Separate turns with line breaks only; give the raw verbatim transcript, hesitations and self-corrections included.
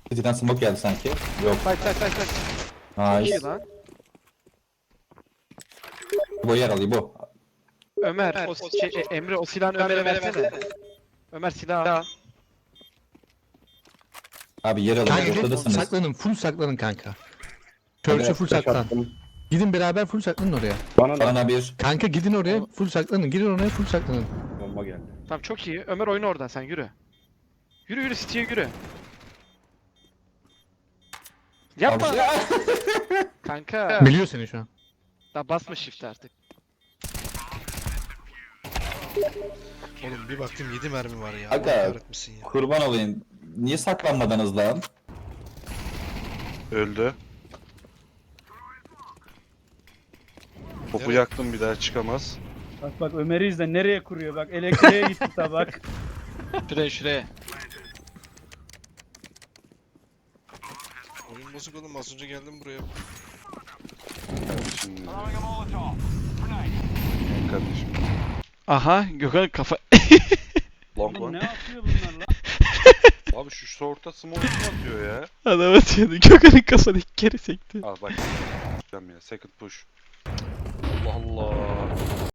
City'den smoke geldi sanki. Yok.
Say say say say. Çok iyi
Nice.
lan.
Bu yer alayım bu.
Ömer, o şey, e, Emre o silahını Ömer'e versene. Ömer silahı al.
Abi yer alayım.
Kanka gel,
Ortadasınız.
saklanın, full saklanın kanka. Church'e full
Flash
saklan.
attım.
Gidin beraber full saklanın oraya.
Bana da
Bana bir.
Kanka gidin oraya full saklanın. Gidin oraya full saklanın.
bomba geldi.
Tamam çok iyi. Ömer oyna oradan sen yürü. Yürü yürü City'ye yürü. Yapma.
Abi-
Kanka.
Biliyor seni şu an.
Daha basma shift artık.
Oğlum bir baktım yedi mermi var ya.
Aga.
Allah kahretmesin ya.
Kurban olayım. Niye saklanmadınız lan?
Öldü. Topu
Evet.
yaktım, bir daha çıkamaz.
Bak bak Ömer'i izle nereye kuruyor bak elektriğe gitti tabak.
Şuraya şuraya.
Oyun bozuk oğlum, az önce geldim buraya.
Kardeşim. Kardeşim.
Aha Gökhan kafa.
Long
Oğlum ne
one.
yapıyor bunlar lan?
Abi şu short'a smoke kim atıyor ya?
Adam atıyordu. Gökhan'ın kafanı iki kere sekti.
Al bak. Ya second push. Allah Allah.